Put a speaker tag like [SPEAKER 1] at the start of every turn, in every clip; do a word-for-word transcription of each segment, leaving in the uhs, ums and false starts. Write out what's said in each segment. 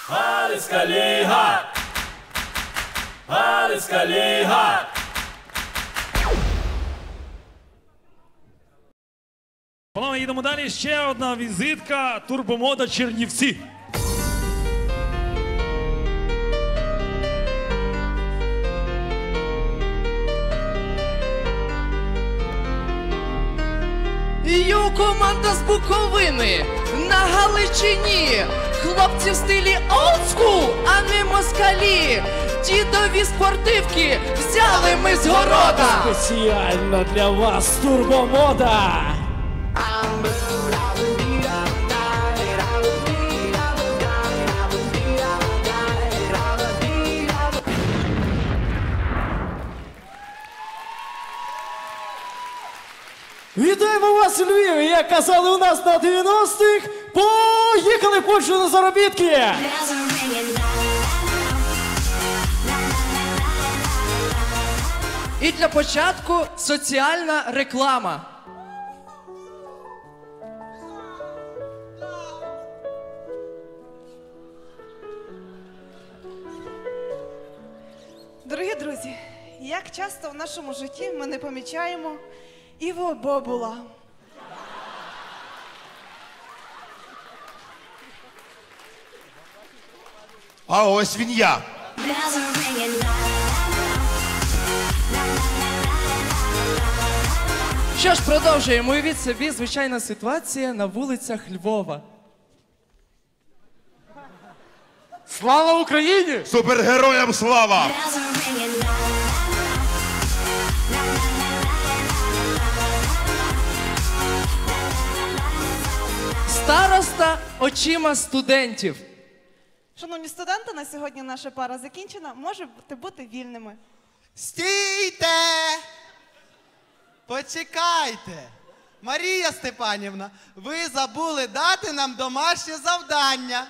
[SPEAKER 1] Галицька ліга! Галицька ліга!
[SPEAKER 2] Панове, їдемо далі. Ще одна візитка. Турбомода Чернівці.
[SPEAKER 3] Йо, команда з Буковини на Галичині. Хлопці в стилі олдскул, а не москалі. Дідові спортивки взяли ми з города.
[SPEAKER 4] Спеціально для вас турбомода. Вітаємо вас у Львові! Як казали у нас на дев'яностих, поїхали в Польщу на заробітки!
[SPEAKER 3] І для початку соціальна реклама.
[SPEAKER 5] Дорогі друзі, як часто в нашому житті ми не помічаємо Іво Бобула.
[SPEAKER 6] А ось він я.
[SPEAKER 3] Що ж, продовжуємо. Уявіть собі, звичайна ситуація на вулицях Львова.
[SPEAKER 6] Слава Україні! Супергероям слава!
[SPEAKER 3] Староста очима студентів.
[SPEAKER 5] Шановні студенти, на сьогодні наша пара закінчена. Можете бути вільними.
[SPEAKER 7] Стійте! Почекайте! Марія Степанівна, ви забули дати нам домашнє завдання.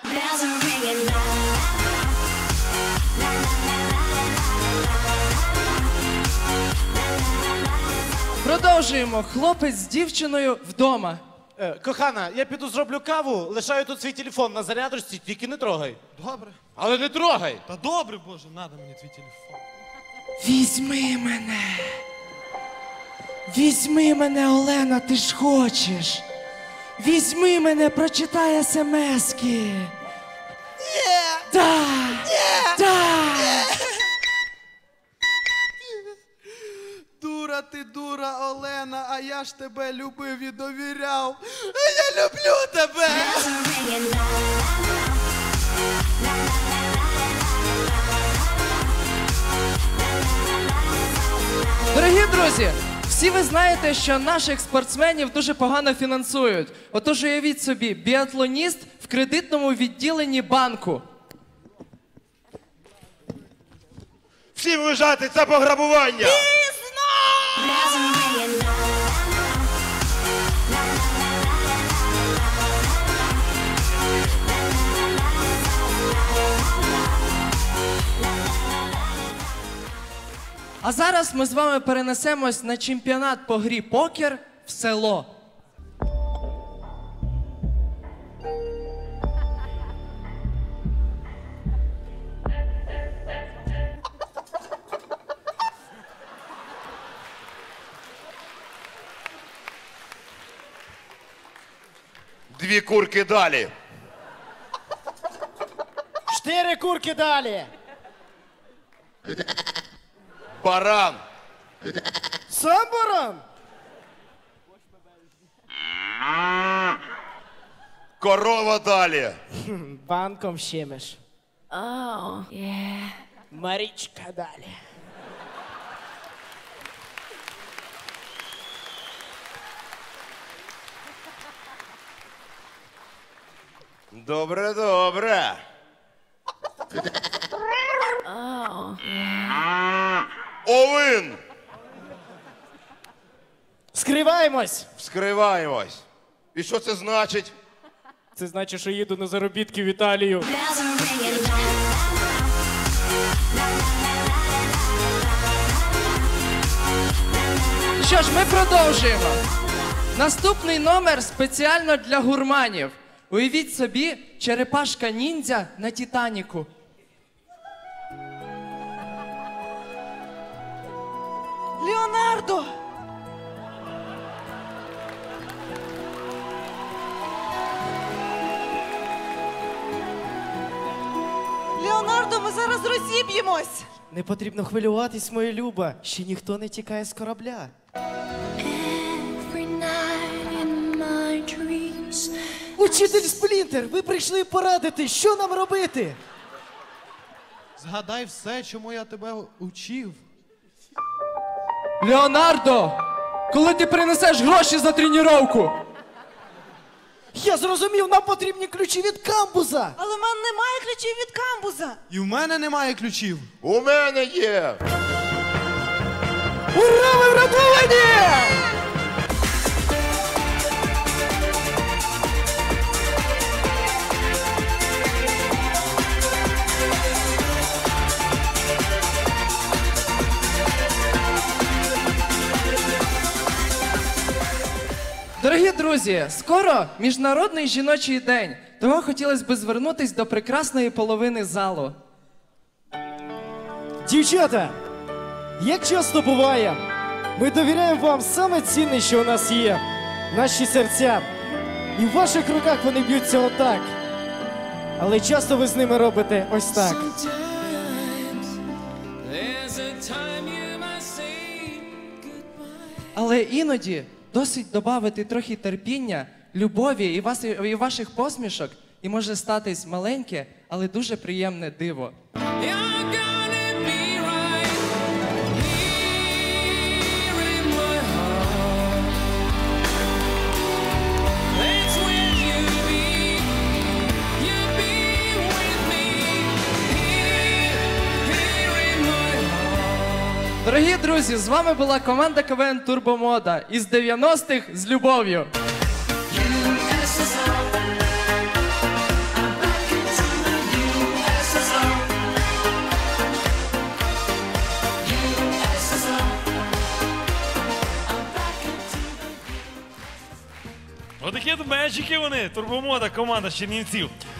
[SPEAKER 3] Продовжуємо. Хлопець з дівчиною вдома.
[SPEAKER 4] Е, кохана, я піду зроблю каву, лишаю тут свій телефон на зарядочці, тільки не трогай.
[SPEAKER 7] Добре.
[SPEAKER 4] Але не трогай!
[SPEAKER 7] Та добре, Боже, надо мені твій телефон.
[SPEAKER 3] Візьми мене. Візьми мене, Олена, ти ж хочеш. Візьми мене, прочитай смски.
[SPEAKER 7] Ні!
[SPEAKER 3] Так!
[SPEAKER 7] Ні!
[SPEAKER 3] Так!
[SPEAKER 7] Дура ти, дура, Олена, а я ж тебе любив і довіряв. Я люблю тебе!
[SPEAKER 3] Дорогі друзі, всі ви знаєте, що наших спортсменів дуже погано фінансують. Отож уявіть собі, біатлоніст в кредитному відділенні банку.
[SPEAKER 6] Всі вважати, це пограбування!
[SPEAKER 3] А зараз ми з вами перенесемось на чемпіонат по грі покер в село.
[SPEAKER 6] Дві курки далі.
[SPEAKER 4] Чотири курки далі!
[SPEAKER 6] Баран.
[SPEAKER 4] Сам баран!
[SPEAKER 6] Корова далі.
[SPEAKER 4] Банком щемиш. О, є. Марічка далі.
[SPEAKER 6] Добре, добре. Овин.
[SPEAKER 4] Скриваємось!
[SPEAKER 6] Вскриваємось. І що це значить?
[SPEAKER 4] Це значить, що їду на заробітки в Італію.
[SPEAKER 3] Що ж, ми продовжуємо. Наступний номер спеціально для гурманів. Уявіть собі, черепашка ніндзя на Титаніку.
[SPEAKER 5] Леонардо! Леонардо, ми зараз розіб'ємось!
[SPEAKER 4] Не потрібно хвилюватись, моя люба. Ще ніхто не тікає з корабля.
[SPEAKER 8] Every night in my dreams.
[SPEAKER 4] Учитель Сплінтер, ви прийшли порадити, що нам робити?
[SPEAKER 7] Згадай все, чому я тебе учив.
[SPEAKER 3] Леонардо, коли ти принесеш гроші за тренування?
[SPEAKER 4] Я зрозумів, нам потрібні ключі від камбуза.
[SPEAKER 5] Але в мене немає ключів від камбуза!
[SPEAKER 7] І в мене немає ключів.
[SPEAKER 6] У мене є.
[SPEAKER 4] Ура, ви врятовані!
[SPEAKER 3] Дорогі друзі, скоро Міжнародний жіночий день, тому хотілося б звернутися до прекрасної половини залу.
[SPEAKER 4] Дівчата, як часто буває, ми довіряємо вам саме цінне, що у нас є, наші серця. І в ваших руках вони б'ються отак. Але часто ви з ними робите ось так.
[SPEAKER 3] Але іноді досить додати трохи терпіння, любові і, вас, і ваших посмішок, і може статись маленьке, але дуже приємне диво. Дорогі друзі, з вами була команда КВН Турбомода із дев'яностих з любов'ю.
[SPEAKER 2] Отакі от меджики вони, турбомода, команда з Чернівців.